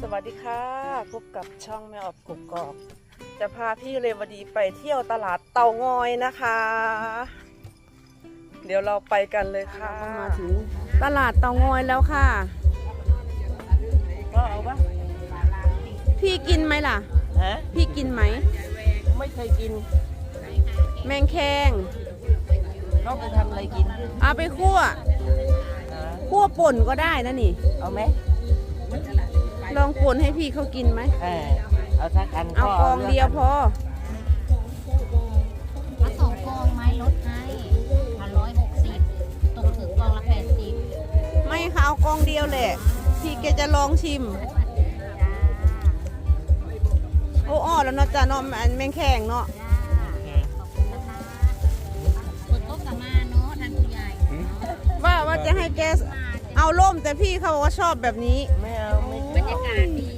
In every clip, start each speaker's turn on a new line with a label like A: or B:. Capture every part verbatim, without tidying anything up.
A: สวัสดีค่ะพบกับช่องแม่ออบกกอกจะพาพี่เรวดีไปเที่ยวตลาดเตางอยนะคะ เดี๋ยวเราไปกันเลยค่ะมาถึงตลาดเตางอยแล้วค่ะก็เอาปะพี่กินไหมล่ะฮะพี่กินไหมไม่เคยกินแมงแคงเราไปทำอะไรกินเอาไปคั่วคั่วป่นก็ได้นะนี่เอาไหมลองป่นให้พี่เขากินไหมเออเอาสักอันเอากองเดียวพอ
B: เอาสองกองไม้ลดให้พันร้อยหกสิบตกถึงกองละแปดสิบ
A: ไม่ค่ะเอากองเดียวแหละพี่แกจะลองชิมโอ้อ้อแล้วเนาะจ้าเนาะอันแมงแข็งเนาะ
B: เปิดโต๊ะกับมาเนาะท่านผู้ใหญ่
A: ว่าว่าจะให้แกเอาล่มแต่พี่เขาบอกว่าชอบแบบนี้ไม่เอาไม่
B: บรรยากาศดี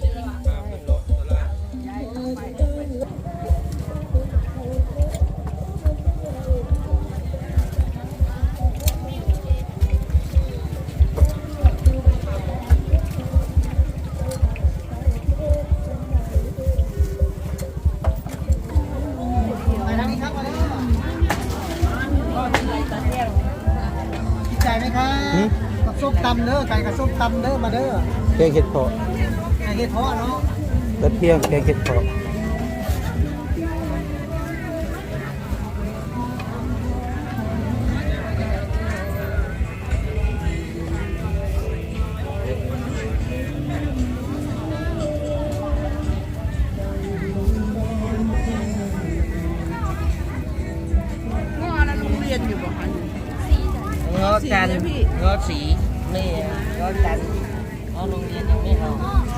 C: ใจไหมครับกับส้มตำเด้อไก่กับส้มตำเด้อมาเด้อ
D: แกงเห็ดเผาะ
C: ไก่เห็ดเพาะเนาะ
D: กระเทียมแกงเห็ดเผาะ
A: เงาะจันเงาะสีนี่เงาะจันเอาโรงเรียนยังไม่เอา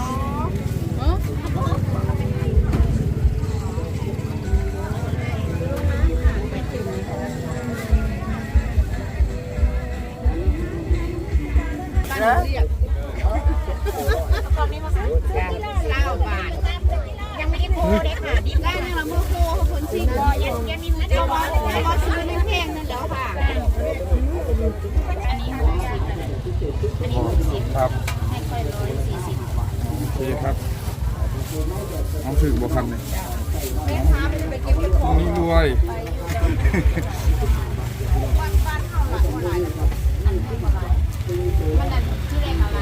A: แล้วตอนนี้มาซื้อเก้าบาทยังไม่ได้โพเลยค่ะดิบได้เนี่ยเราโมโพเขาผลซิ่งยังยังมีเราว่าเราซื้อไม่แพงนั่นแล้วค่ะอันนี้หกสิบอันนี้หกสิบ
E: ครับ
B: ให้ค่อยร้อยสี่สิบ
E: ดีครับน้องถึงบ่คันเลยนี่รวย
B: มันนั่นชื่อแรงอะไร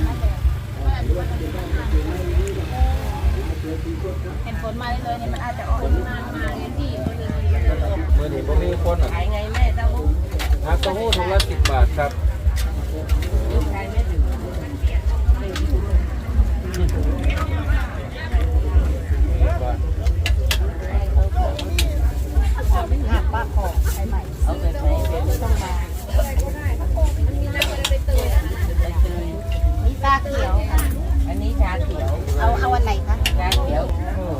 B: เห็นผลมาเลยเนี่ยมันอาจจะออกมามาเรียนที่เ
D: มื่อนี้ผมมีคนอ่ะ
B: ขายไงแม่เต้าหู้
D: น้ำเต้าหู้ถุงละสิบบาทครับ
B: ขายไม่ถึงป้าขอใช้ใหม่เอาไปใช้เป็นต้องมานี่ตาเขียวอันนี้ชาเขียวเอาเอาอันไหนคะชาเขียว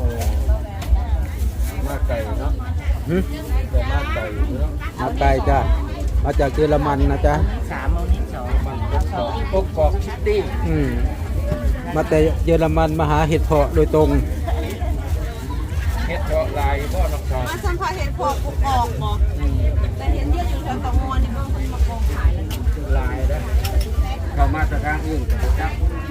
E: มาไก่เนาะ
D: แต่มาไก่มาไก่จ้ามาจากเยอรมันนะจ๊ะ
B: สามเอานี้สอง
E: มันก็สองกกอกชิตตี้
D: อืมมาแต่เยอรมันมาหาเห็ดเผาะโดยตรง
E: เห็ดเพาะลายพ่อน้องชาย
A: มาสัมผัสเห็ดเผาะกุกออกหมอแต่เห็นเยอะอยู่แถวเตางอยนี่เพิ่งมากองขายแล้ว
E: ลายนะเขามาจากทางอื่นจับ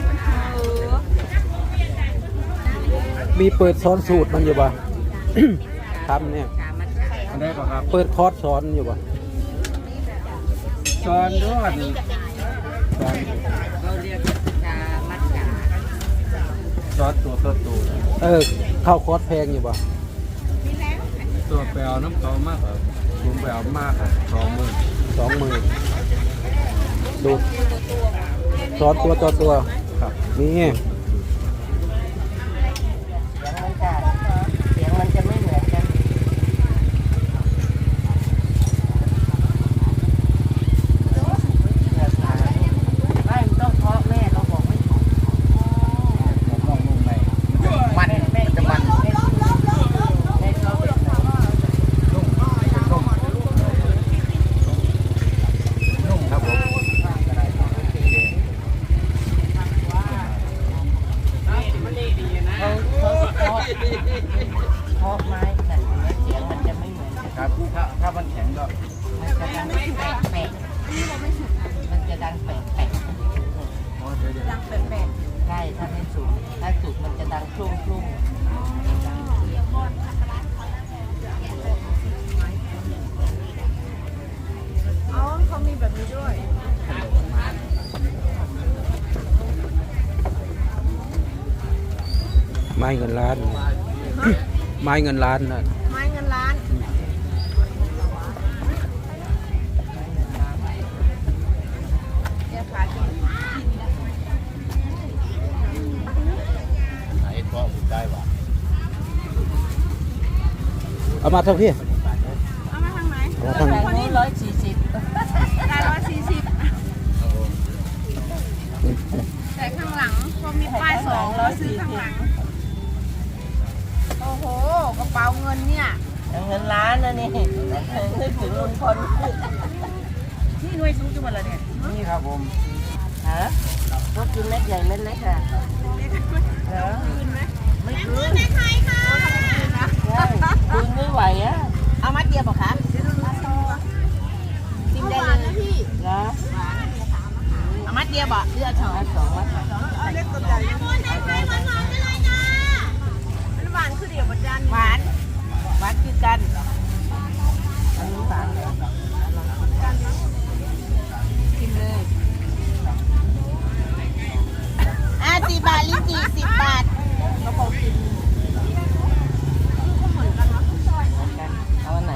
D: มีเปิดสอนสูตรมันอยู่ป่ะ ทำเนี่ย
E: อันนี้ป่ะครับ
D: เปิดคอร์สสอนอยู่ป่ะ
E: สอนด้วยสอน
B: เราเรียกชามัดกา
E: สอนตัวตัวตัว
D: เออเข้าคอร์สแพงอยู่ป่ะ
E: ตัวแปลน้ำเกามากครับผมแปลมากครับสองหมื่น
D: สองหมื่นดูสอนตัวต่อตัว
E: ครับ
D: นี่
B: เสียงมันจะเสียงมันจะไม่เหมือนกันไม่ต้องเพาะแม่เราบอกไม่ถูก
E: ผมลองนุ่มไปมันแม่จะมัน
B: ให้เขาเป็น
E: นุ่มนุ่มนุ่มครับผม
B: เขาเขาเพาะไม้แต่เสียงมันจะไม่เหมือนกัน
E: ครับถ้าถ้ามันแข็งก็
B: มันจะดังแปลกแปลกมันจะดังแปลกแปลกดังแปลกใช่ถ้าไม่สูงถ้า
D: ไม้เงินล้าน ไม้เงินล้านนะ
A: ไม้เงินล้านแกขายกิน
D: เอามาเท่าพี่
A: เอามาทางไหน
D: เอามาทาง
A: คนนี้ร้อยสี่สิบได้ร้อยสี่สิบแต่ข้างหลังก็มีป้ายสองร้อยซื้อข้างหลัง โอ้โห กระเป๋าเงินเนี่ย
F: เงินล้านนะนี่นึกถึงลุงพล
A: นี่หน่วยสูงจังหวัดอะไรเนี่ย
E: นี่ครับผม
F: ฮะพวกกินเม็ดใหญ่เม็ดเล็กอ่ะเหรอ
A: คืนไหม
F: ไม่คืน
A: ใครคะ
F: ใช่คืนไม่ไหวอ่ะ
B: เอามัดเดียวบอกคะ
A: จิ้มได้เลยนะพี่
F: เหรอ
B: เอามัดเดียวบอกเลือดสอง
F: มาสองมาสอง
A: เอาเล็กตัวใหญ่มันหวานคือเดียวประจัน
F: หวานหวานคือกันอันนี้หวานเหรอ
B: กินเลยอ่ะสี่บาทลิ้นจี่สิบบาท
F: ก็พอกินเหมือนกันเอาอันไหน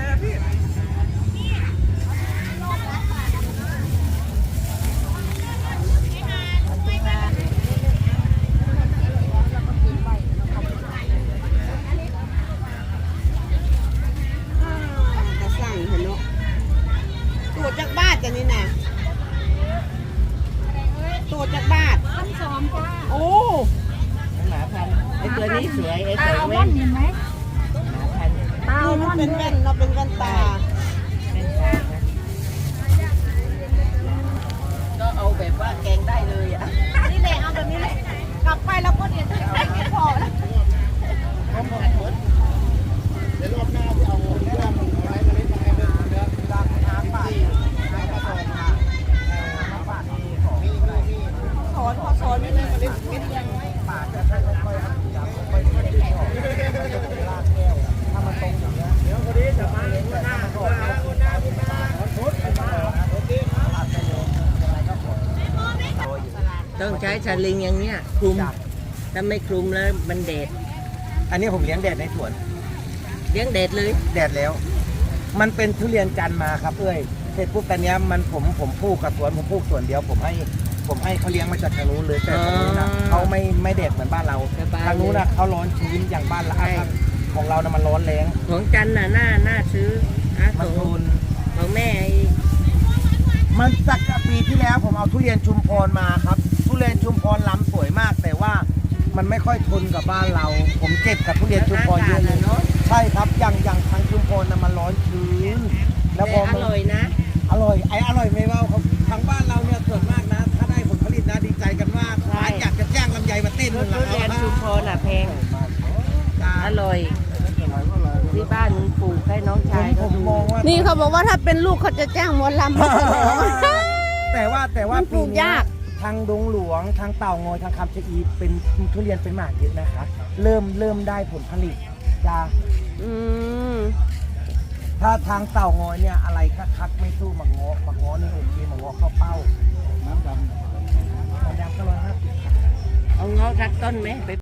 A: กระสั่งเห็นเนาะตัวจากบ้านกันนี่นะตัวจากบ้านโอ้
F: หมาพันธุ์ไอ้ตัวนี้สวยไอ้ตัวเว้นหมาพันธุ์
A: ตามันเป็นแว่นเนาะเป็นแว่นตา
F: เป็นตานะก็เอาแบบว่าแกงได้เลยอ่ะ
A: นี่แหละเอาแบบนี้แหละกลับไปแล้วก็เดี๋ยวจะได้เก็บพอแล้ว สอนพอสอนไม่ได้เล่นเล่นยังไงป่าจะค่อยๆค่อยๆค่อยๆลากแก้วถ้ามันตรงอย่างเงี้ยเดี๋ยวคนนี้จะมาหน้าก่อนนะหน้าคุณตาชุดมาโอเคลากไปเลยอะไรก็กด
F: ต้องใช้สลิงอย่างเนี้ยคลุมถ้าไม่คลุมแล้วมันแดด
C: อันนี้ผมเลี้ยงแดดในสวน
F: เลี้ยงแดดเลย
C: แดดแล้ว มันเป็นทุเรียนจันทร์มาครับเอ้ยเสร็จปุ๊บตอนเนี้ยมันผมผมปลูกกับสวนผมปลูกสวนเดียวผมให้ผมให้เขาเลี้ยงมาจากทางนู้นเลยแต่ทางนู้นนะเขาไม่ไม่แดดเหมือนบ้านเราทางนู้นนะเขาร้อนชื้นอย่างบ้านเราครับของเรานะมันร้อนแรง
F: ของจันน่ะหน้าหน้าซื้ออา
C: มัน
F: ข
C: ท
F: อง
C: น
F: ของแม่ไอ้
C: มันจากปีที่แล้วผมเอาทุเรียนชุมพรมาครับ ทุเรียนชุมพรลำสวยมาก แต่ว่ามันไม่ค่อยทนกับบ้านเรา ผมเก็บกับทุเรียนชุมพรเยอะเลย
F: เนาะ
C: ใช่ครับอย่างอย่างทางชุมพรนะมันร้อนชื้นแล้วพ
F: แต่
C: อ
F: อ
C: มัน
F: ร่อยนะ
C: อร่อยไอ้อร่อยไม่เบาครับทางบ้านเราเนี่ยส่วนมากนะ ถ้าได้ผลผลิตนะดีใจกันมาก
F: ใช่
C: อยากจะจ้างลำไยมาเต้น
F: ทุ
C: เลย
F: เรียนชุมพรน่ะแพงอร่อยที่บ้านปลูกให้น้อง
C: ผ
F: ชาม ย
C: ผ
F: ก็
C: ม
F: ดู
C: มองว่า
A: นี่เขาบอกว่าถ้าเป็นลูกเขาจะจ้างหมอลำมาฉลอง
C: แต่ว่าแต่ว่า
A: มันปลูก
C: ปีเนี้
A: ยาก
C: ทางดงหลวงทางเต่างอยทางคำชะอีเป็นทุเรียนเป็นหมากเยอะนะคะเริ่มเริ่มได้ผลผลิตจ้า
A: อืม
C: ถ้าทางเต่างอยเนี่ยอะไรคักๆไม่สู้หมักง้อหมักง้อนี่โอเคหมักง้อเข้าเป้าน้ำดำน้ำดำก็ร้อยห้าสิบ
F: เอาเงาะสักต้นไหมไป